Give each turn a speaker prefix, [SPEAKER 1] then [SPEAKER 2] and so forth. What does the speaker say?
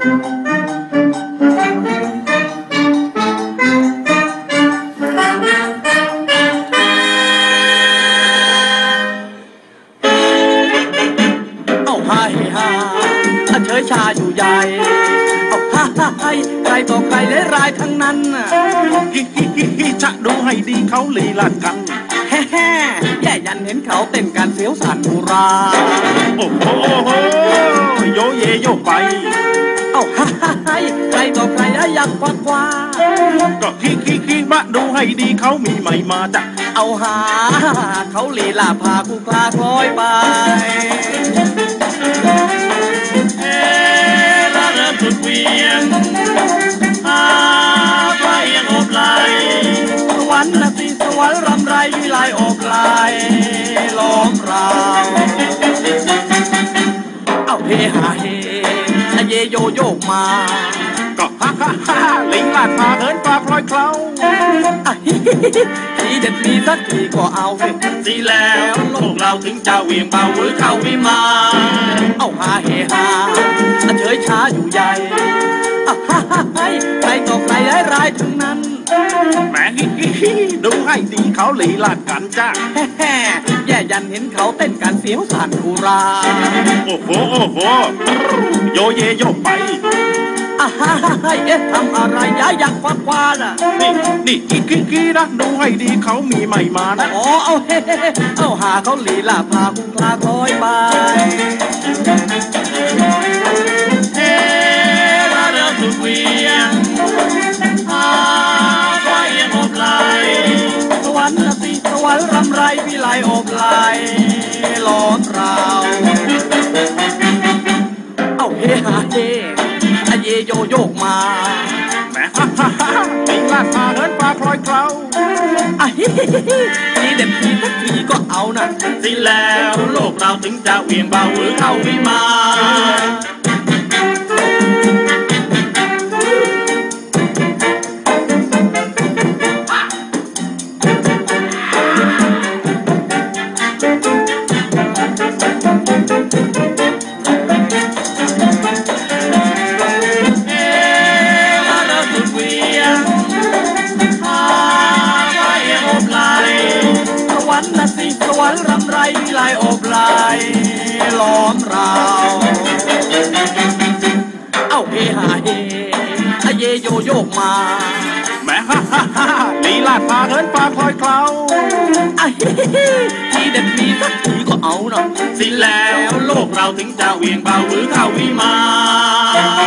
[SPEAKER 1] เฉยชาอยู่ใหญ่เอาฮ่าฮ่าให้ใครต่อใครและรายทั้งนั้น
[SPEAKER 2] ฮิฮิฮิฮิจะดูให้ดีเขาลีลากัน
[SPEAKER 1] แฮ่แฮ่แย่ยันเห็นเขาเต้นการเสียวสันอุรา
[SPEAKER 2] โอ้โหโยเยโยไป
[SPEAKER 1] เอาฮ่าฮ่าให้ใครต่อใครอยากคว้าคว้า
[SPEAKER 2] ก็ฮิฮิฮิมาดูให้ดีเขามีใหม่มาจ้ะ
[SPEAKER 1] เอาหาเขาลีลาพาคู่คลาคล้อยไป
[SPEAKER 2] สุดเวียงไฟยังอบไหล
[SPEAKER 1] สวรรค์นะสิสวรรค์รำไรวิไลอบไหลล้อมเราเอาเฮฮาเฮเยโยโยกมา
[SPEAKER 2] ก็ฮ่าฮ่าฮ่าลิงลาดพาเหินปลาพลอยเคล้า
[SPEAKER 1] ทีเด็ดมีสักทีก็เอา
[SPEAKER 2] สิแล้วโลกเราถึงจะเวียงเบาหรือเข้าวิมาน
[SPEAKER 1] เอาฮาเฮฮาเฉยช้าอยู่ใหญ่ฮ่าฮ่าให้ใครต่อใครร้ายทั้งนั้น
[SPEAKER 2] แหมฮิฮิฮิดูให้ดีเขาลีลาดกันจ้า
[SPEAKER 1] แฮ่แย่ยันเห็นเขาเต้นกันเสียวสันอุรา
[SPEAKER 2] โอ้โหโอ้โหโยเยโยไป
[SPEAKER 1] ฮ่าฮ่าเอ๊ะทำอะไรอยากคว้าคว้าน่ะ
[SPEAKER 2] นี่กี้นะดูให้ดีเขามีใหม่มานะ
[SPEAKER 1] อ๋อเอาเฮ้เอาหาเขาลีลาพาคุ้งคลาคล้อยไป
[SPEAKER 2] เฮ้ระเรือสุดเวียงไฟยังอบไหล
[SPEAKER 1] สวรรค์นะสิสวรรค์รำไรวิไลอบไหลล้อมเราเอาเฮฮาเฮเยโยโยกมา
[SPEAKER 2] แหมฮ่าฮ่าฮ่าลิงลาดพาเหินปลาพลอยเคล้า
[SPEAKER 1] ทีเด็ดทีสักทีก็เอานะ
[SPEAKER 2] สิแล้วโลกเราถึงจะเวียงเบาหรือเข้าวิมาน
[SPEAKER 1] สวรรค์รำไรวิไลอบไหลล้อมเราเอาเฮฮาเฮเยโยโยกมา
[SPEAKER 2] แหมฮ่าฮ่าฮ่าลีลาดพาเหินปลาพลอยเคล้า
[SPEAKER 1] ทีเด็ดมีสักทีก็เอาหน่อย
[SPEAKER 2] สิแล้วโลกเราถึงจะเวียงเบาหรือเข้าวิมาน